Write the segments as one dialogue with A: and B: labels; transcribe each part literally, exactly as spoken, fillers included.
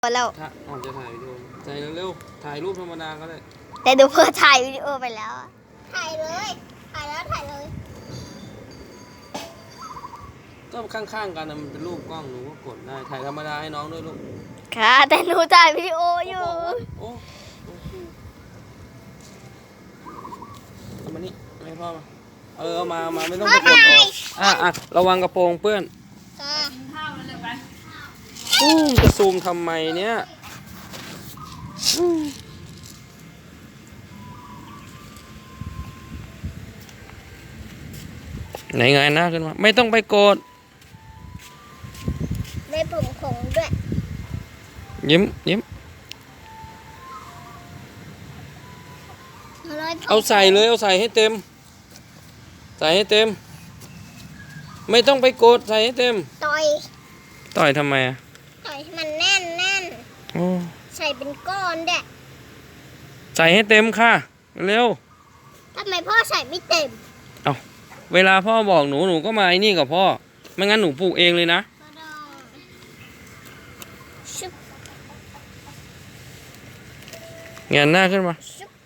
A: แล้ว
B: ถ้าอาจจะถ่ายวิดีโอใจเร็วๆถ่ายรูปธรรมดาก็ได้
A: แต่ดูเพื่อถ่ายวิดีโอไปแล้ว
C: ถ่ายเลยถ่ายแล้วถ่ายเลย
B: ก็ข้างๆกันนะมันเป็นรูปกล้องหนูก็กดได้ถ่ายธรรมดาให้น้องด้วยลูก
A: ค่ะแต่หนูถ่ายวิดีโออยู่
B: โอ้เอามานี่ให้พ่อมาเออเอามามาไม่ต้องไปกดออกอ่ะอ่ะระวังกระโปรงเปื้อนอู้จะซูมทำไมเนี่ยไหนไงหน้าขึ้นมาไม่ต้องไปโกรธ
C: ได้ผมขงด้วย
B: ยิ้มยิ้มเอาใส่เลยเอาใส่ให้เต็มใส่ให้เต็มไม่ต้องไปโกรธใส่ให้เต็ม
C: ต่อย
B: ต่อยทำไมอ่ะ
C: ต่อยให้มันแน่นแน่น
B: โอ้
C: ใส่เป็นก้อนเด็ก
B: ใส่ให้เต็มค่ะเร็ว
C: ทำไมพ่อใส่ไม่เต็ม
B: เอาเวลาพ่อบอกหนูหนูก็มาไอ้นี่กับพ่อไม่งั้นหนูปลูกเองเลยนะเงยหน้าขึ้นมา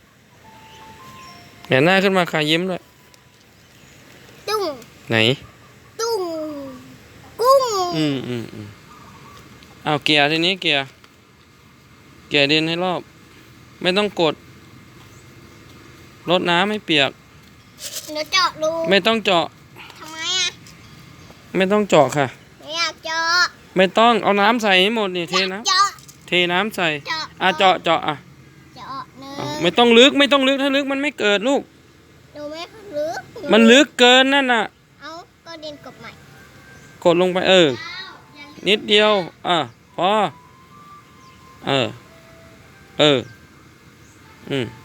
B: เงยหน้าขึ้นมาค่ะยิ้มด้วย
C: ตุ้ง
B: ไหน
C: ตุ้งกุ้ง
B: อืมอืมอืมเอาเกียร์ทีนี้เกียร์เกียร์ดินให้รอบไม่ต้องกดรดน้ำให้เปียก
C: หนูเจาะรู
B: ไม่ต้องเจาะ
C: ทำไมอ่ะ
B: ไม่ต้องเจาะค่ะ
C: ไม่อยากเจาะ
B: ไม่ต้องเอาน้ำใส่ให้หมดนี่เทน้ำเทน้ำใส่อ่ะเจาะเจาะอ่ะ
C: เจาะเนื้อ
B: ไม่ต้องลึกไม่ต้องลึกถ้าลึกมันไม่เกิดลูก
C: หนูไม่ลึก
B: มันลึกเกินนั่นน่ะ
C: เอาก็ดินกบใหม่
B: กดลงไปเออนิดเดียวอ่ะพอเออเอออืม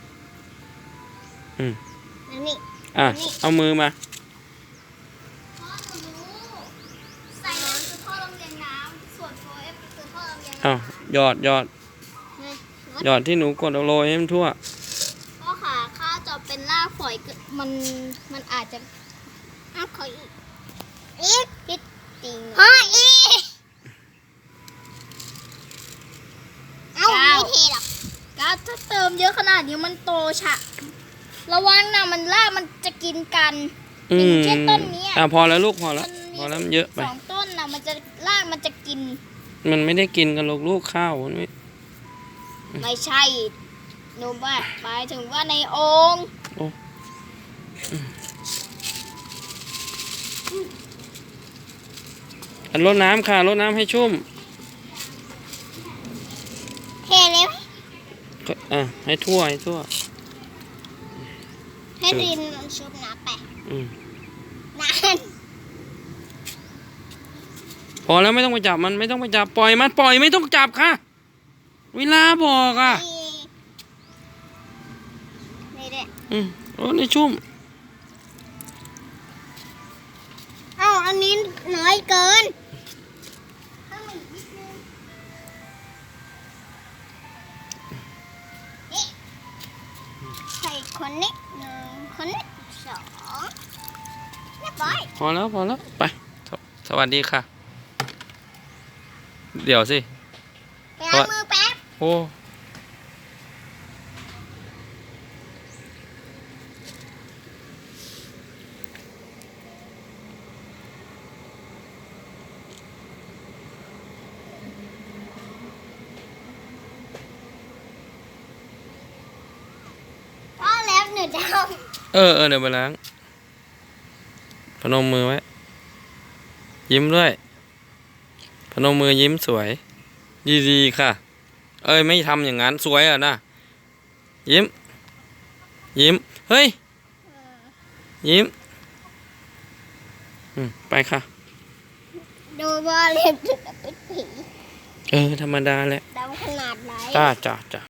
B: อืม
C: นี่
B: อ่ะเอามือมา
C: ใส่น้ำคือท่อลำเลียงน้ำส่วนโฟเอฟคือท่อลำเลียง
B: อ้าวหยอดหยอดหยอดที่หนูกดเอาโรยให้มันทั่ว
C: พ่อขาข้าจะเป็นรากฝอยมันมันอาจจะอ้าวขออีกอีกอีกจริงพ่ออีกเอ้าไม่เทหรอกก้าถ้าเติมเยอะขนาดนี้มันโตฉะระวังนะมันรากมันจะกินกัน
B: อืม
C: แค่ต้นนี้
B: อ่ะพอแล้วลูกพอแล้วพอแล้วมันเยอะไป
C: สองต้นนะมันจะรากมันจะกิน
B: มันไม่ได้กินกันลูกลูกข้าวมันไม่
C: ไม่ใช่หนูว่าหมายถึงว่าในโอ่ง
B: โอ้อันรดน้ำค่ะรดน้ำให้ชุ่ม
C: เทเลยไหม
B: อ่ะให้ทั่วให้ทั่ว
C: ให้ดินมันชุบน้ำไปนาน
B: พอแล้วไม่ต้องไปจับมันไม่ต้องไปจับปล่อยมันปล่อยไม่ต้องจับค่ะเวลาบอกอ่ะ
C: นี่แหละ
B: อืมโอ้นี่ชุ่ม
C: เอ้าอันนี้น้อยเกินใส่คนนี้หนึ่งคนนี้สองเรียบร้อย
B: พอแล้วพอแล้วไปสวัสดีค่ะเดี๋ยวสิ
C: ไปล้างมือแป๊บ
B: โอ้
C: พ่อแล้วหนูจะเอา
B: เออเออเดี๋ยวไปล้างพนมมือไว้ยิ้มด้วยพนมมือยิ้มสวยดีๆค่ะเอ้ยไม่ทำอย่างนั้นสวยอ่ะนะยิ้มยิ้มเฮ้ยยิ้มอืมไปค่ะ
C: ดูว่าเล็บจะเป็นผี
B: เออธรรมดาแหละ
C: ดำขนาดไหน
B: จ้าจ้าจ้า